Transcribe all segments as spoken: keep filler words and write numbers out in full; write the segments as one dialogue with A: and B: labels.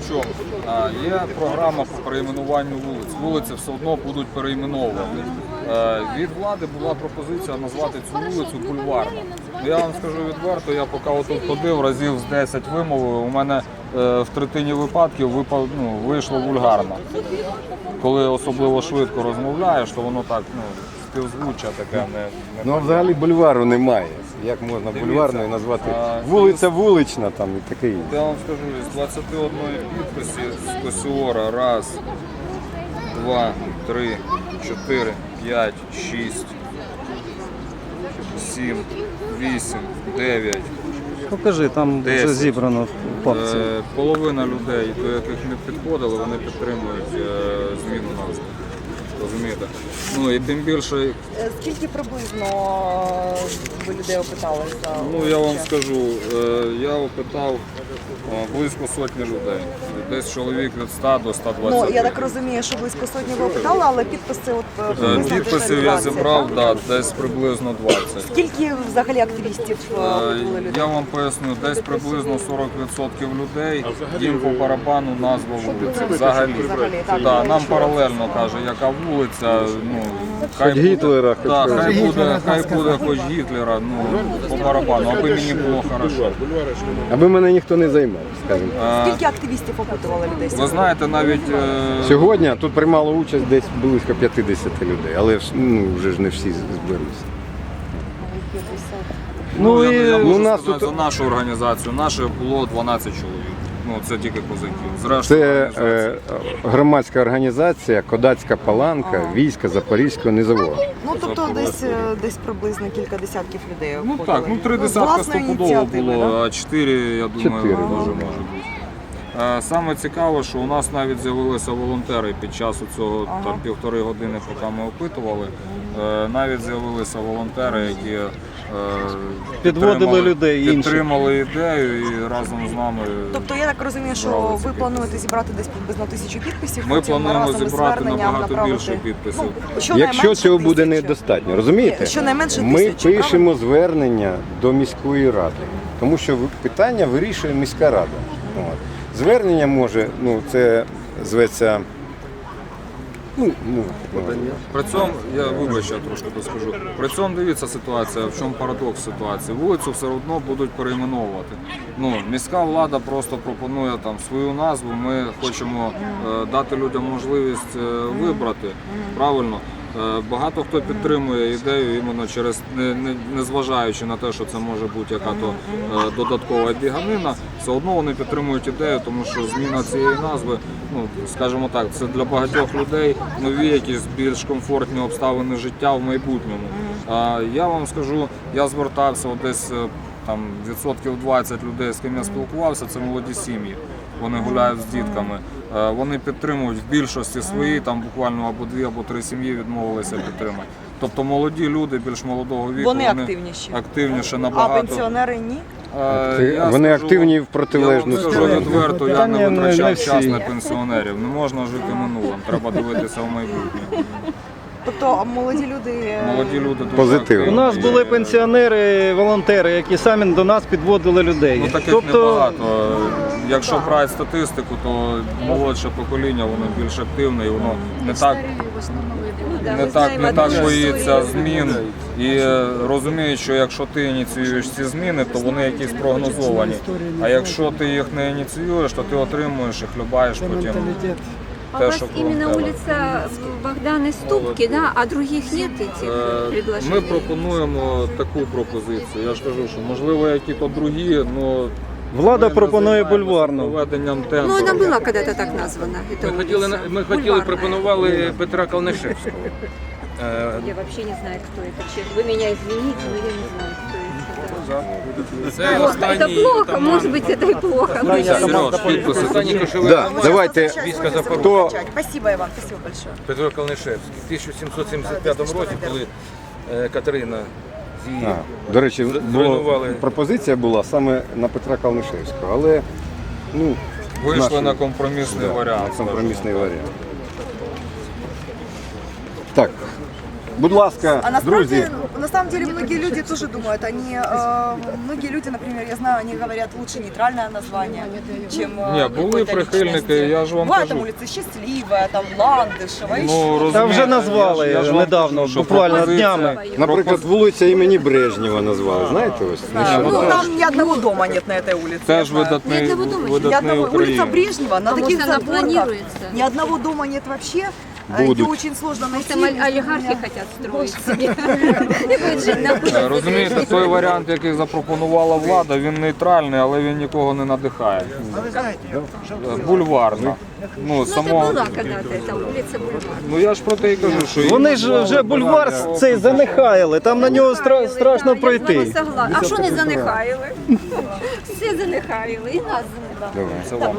A: в чому? А, є програма по перейменуванню вулиць. Вулиці все одно будуть перейменовувати. Е, від влади була пропозиція назвати цю вулицю Бульварна. Я вам скажу відверто, я поки отут ходив, разів з десять вимовив, у мене е, в третині випадків випав, ну, вийшло вульгарно. Коли особливо швидко розмовляєш, то воно так, ну, співзвуччя таке не... не
B: Ну а взагалі бульвару немає. Як можна бульварною назвати?
A: а,
B: Вулиця вулична там і таке інше.
A: Я вам скажу, з двадцяти одної підписів з Косіора раз, два, три, чотири, п'ять, шість, сім, вісім, дев'ять.
C: Покажи, там вже
A: десять.
C: зібрано в папці.
A: Е, Половина людей, до яких не підходили, вони підтримують е, зміну назви. Розумієте? Ну і тим більше,
D: Е, Скільки приблизно ви людей опитали за
A: ну я вам
D: участь?
A: скажу, е, я опитав е, близько сотні людей. Десь чоловік від ста до ста
D: Ну,
A: двадцяти.
D: я так розумію, що близько сотні ви опитали, але підписи от е,
A: Е,
D: приблизно
A: Підписів я
D: двадцять,
A: зібрав,
D: так?
A: да, десь приблизно двадцять.
D: Скільки взагалі активістів е,
A: Е,
D: опитували людей?
A: Я вам поясню, десь приблизно сорок відсотків людей їм по барабану назва вулиці. Взагалі.
D: Взагалі, так.
A: Да, нам паралельно каже, яка вулиця, ну, хай
B: Хоч Гітлера,
A: буде,
B: хоч
A: да,
B: когось.
A: хай буде, хай буде хоч Гітлера, ну, по барабану, аби мені було хорошо.
B: Аби мене ніхто не займав, скажімо.
A: Е,
D: Скільки активістів опитували людей?
A: Ви знаєте, навіть е,
B: Сьогодні тут приймало участь десь близько п'ятдесят людей, але ж, ну, вже ж не всі зберуться.
A: ну, я, я
B: ну,
A: можу
B: нас
A: сказати
B: тут-
A: за нашу організацію, наше було дванадцять чоловік. Ну, це тільки козаків. Зрештою,
B: Це
A: організація.
B: е, громадська організація Кодацька Паланка війська Запорізького низового.
D: Ну, тобто десь, е, десь приблизно кілька десятків людей
A: Ну
D: опитували.
A: так, ну три
D: З
A: десятка
D: власної
A: стопудово
D: ініціативи,
A: було,
D: да?
A: а чотири, я думаю,
B: Чотири,
A: дуже
B: може
A: може
B: бути.
A: бути. Е, Саме цікаве, що у нас навіть з'явилися волонтери під час цього там півтори години, поки ми опитували. е, Навіть з'явилися волонтери, які е,
C: Підводили
A: підтримали-
C: людей інших.
A: підтримали ідею і разом з нами.
D: Тобто я так розумію, що
A: Брали ці
D: ви
A: підписи.
D: плануєте зібрати десь приблизно тисячу підписів.
A: Ми
D: потім
A: плануємо
D: разом із
A: зібрати
D: зверненням
A: набагато
D: направити-
A: більше підписів.
D: Ну, щонайменше
B: Якщо цього буде
D: тисячу.
B: недостатньо, розумієте?
D: Щонайменше
B: Ми
D: тисячу,
B: пишемо звернення до міської ради, тому що ви- питання вирішує міська рада. От. Звернення може, ну це зветься. Ну, ну, ну,
A: При цьому, я вибач, я трошки доскажу. При цьому дивіться ситуація, в чому парадокс ситуації. Вулицю все одно будуть перейменовувати. Ну, міська влада просто пропонує там свою назву. Ми хочемо е, дати людям можливість е, вибрати. Правильно? Е, Багато хто підтримує ідею іменно через, не, не, не зважаючи на те, що це може бути яка-то е, додаткова біганина, все одно вони підтримують ідею, тому що зміна цієї назви, ну, скажімо так, це для багатьох людей нові якісь більш комфортні обставини життя в майбутньому. А я вам скажу, я звертався от десь е, там відсотків двадцять людей, з ким я спілкувався, це молоді сім'ї. Вони гуляють з дітками. Е, Вони підтримують в більшості свої, там буквально або дві, або три сім'ї відмовилися підтримати. Тобто молоді люди більш молодого віку,
D: Вони активніші.
A: активніше
D: А
A: набагато.
D: пенсіонери ні?
A: Е,
B: Ти-
A: я
B: вони
A: скажу-
B: активні в протилежну
A: Я вам скажу
B: сторону.
A: відверто, я
C: Питання
A: не
C: не- не
A: витрачав
C: всі.
A: час на пенсіонерів. Не можна жити минулим, треба дивитися в майбутнє.
D: Тобто молоді люди... е,
A: Молоді люди дуже
B: Позитивно.
C: У
A: активні.
C: нас були пенсіонери, волонтери, які самі до нас підводили людей.
A: Ну, таких
C: Тобто,
A: небагато. Якщо брати статистику, то молодше покоління, воно більш активне і воно не так, не так, не так боїться змін. І е, розуміють, що якщо ти ініціюєш ці зміни, то вони якісь прогнозовані. А якщо ти їх не ініціюєш, то ти отримуєш і хлюбаєш потім.
E: А
A: Те,
E: у вас
A: що
E: именно
A: волонтери.
E: улица Богдана Ступки, да, а других нет этих
A: Е,
E: предложений?
A: Ми пропонуємо таку пропозицію. Я ж кажу, що можливо які-то другі, але
C: влада пропонує бульварну.
A: проведенням
E: Ну,
A: тендеру.
E: она была когда-то так названа, эта
F: Ми хотіли,
E: улица.
F: ми хотіли,
E: Бульварная.
F: пропонували Петра Калнишевського. Е,
E: Я вообще не знаю, кто это. честно. Вы меня извините, но я не знаю, кто это.
F: Це
E: Плохо,
F: останній
E: это плохо,
F: отаман,
E: может быть, это и плохо.
A: Сереж, підписи.
F: останній кошовий
B: Да,
F: отаман
B: давайте.
F: війська Запорожця.
B: Хто
D: Спасибо, Иван, спасибо большое.
F: Петро Калнишевський. В тисяча сімсот сімдесят п'ятому році, коли е, Катерина з її
B: А, до речі, було,
F: зруйнували.
B: пропозиція була саме на Петра Калнишевського, але ну,
A: Вийшли
B: наші-
A: на компромісний
B: да,
A: варіант.
B: на компромісний варіант. Так, будь ласка,
D: А насправді,
B: друзі,
D: на самом деле многие люди тоже думают, они, э, многие люди, например, я знаю, они говорят лучше нейтральное название, чем э,
A: Ні, були
D: какой-то
A: прихильники,
D: личности.
A: я ж вам
D: Бывает там
A: кажу.
D: улица Счастливая, там Ландышева, еще.
A: Ну,
C: Та
A: розумієте,
C: вже назвали
A: я ж- я ж вам
C: недавно,
A: кажу, що
C: буквально
A: пропозиція-
C: днями.
B: Наприклад, вулиця імені Брежнєва назвали, знаєте ось?
D: А,
A: ну,
D: ну,
A: теж-
D: там ни одного дома нет на этой улице. я
A: Теж
D: знаю.
A: видатний,
E: Ні, не видумуй.
D: Ни
A: видатний
D: одного, улица
A: українець.
D: Брежнева, на
E: А
D: таких
E: может, она
D: задворках
E: планируется?
D: ни одного дома нет вообще. Э,
B: Будут.
D: Ее очень сложно найти.
E: Там оль- олигархи хотят строить себе. И будет жить на улице.
A: Е, Розумієте, той варіант, який запропонувала влада, він нейтральний, але він нікого не надихає. Е, Бульварна. Ну,
E: Ну, это
A: само...
E: была когда-то эта улица Бульвар.
A: ну я ж про те і кажу, що... її
C: Вони ж вже бульвар цей занехаяли, там на нього стра- страшно
E: Я з вами
C: пройти.
E: согласна. А що не занехаяли? Всі занехаяли, і нас занехаяли.
A: Це вам.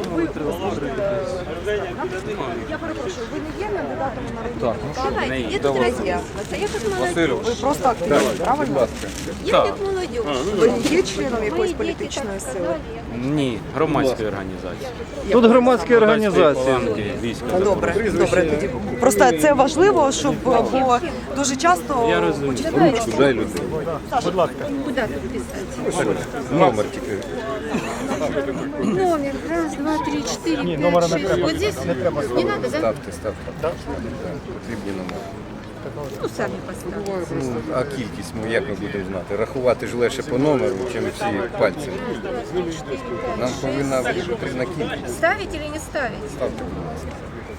D: Я перепрошую, ви не є кандидатом у народні
A: Так, ну що,
E: Давайте, я тут
A: Давай.
E: разъяснилась. Я как молодежь.
A: Васильович,
D: Ви просто активіст, правильно?
E: Я как молодежь.
D: Ви не є членом
E: Мои
D: якоїсь
E: дети
D: політичної
E: так
D: сили?
E: сказали.
G: Ні, громадської організації.
C: Тут громадські організації.
G: Фаланги війська.
D: Добре, добре. Тоді просто це важливо, щоб бо дуже часто
G: Я розумію.
B: Дай людей.
E: Куда тут писать?
B: Номер тільки.
E: Номер. Раз, два, три, четыре, пять, шесть. Вот здесь не надо, да?
B: Ставте, ставте. Потрібні номери.
E: Ну, сами поставьте.
B: Ну, а кількість, ну як ми будемо знати? Рахувати ж легше по номеру, чим всі пальцями. Нам повинна бути потрібна кількість.
E: Ставить или не ставить?
B: Ставте, будь ласка.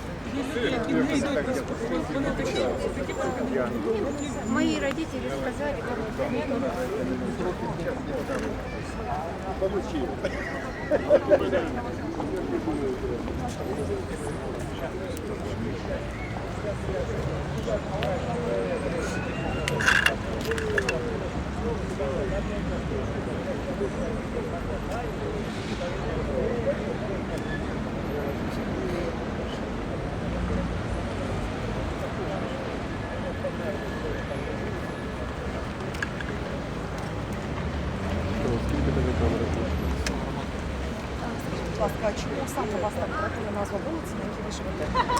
E: Мои родители сказали,
D: Будь ласка, чому саме вас так вразила назва вулиці, на якій ви живете?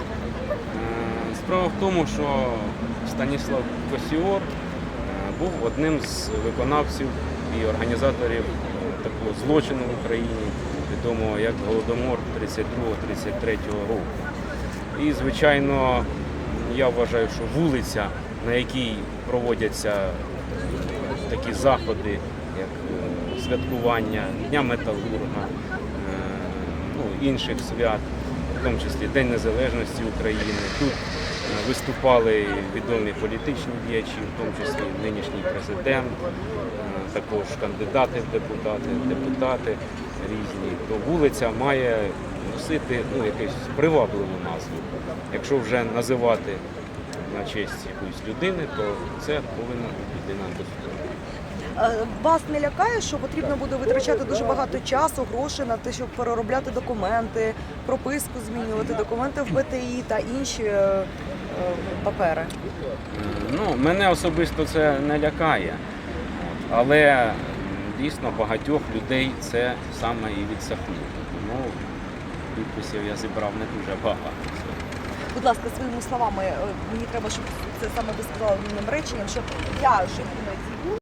G: Е, Справа в тому, що Станіслав Косіор е, був одним з виконавців і організаторів е, такого злочину в Україні, відомого як Голодомор тридцять другого - тридцять третього року. І, звичайно, я вважаю, що вулиця, на якій проводяться такі заходи, як е, святкування Дня Металурга, е, ну, інших свят, в тому числі День Незалежності України. Тут е, виступали відомі політичні діячі, в тому числі нинішній президент, е, також кандидати в депутати, депутати різні. То вулиця має носити ну, якусь привабливу назву. Якщо вже називати на честь якоїсь людини, то це повинна бути людина достойна.
D: Е, Вас не лякає, що потрібно буде витрачати дуже багато часу, грошей на те, щоб переробляти документи, прописку змінювати, документи в Б Т І та інші е, е, папери?
G: Ну, мене особисто це не лякає, От. але м, дійсно багатьох людей це саме і відсахнуло. Тому підписів я зібрав не дуже багато.
D: Будь ласка, своїми словами, е, мені треба, щоб це саме ви сказали одним реченням, що я живу на цій вулиці.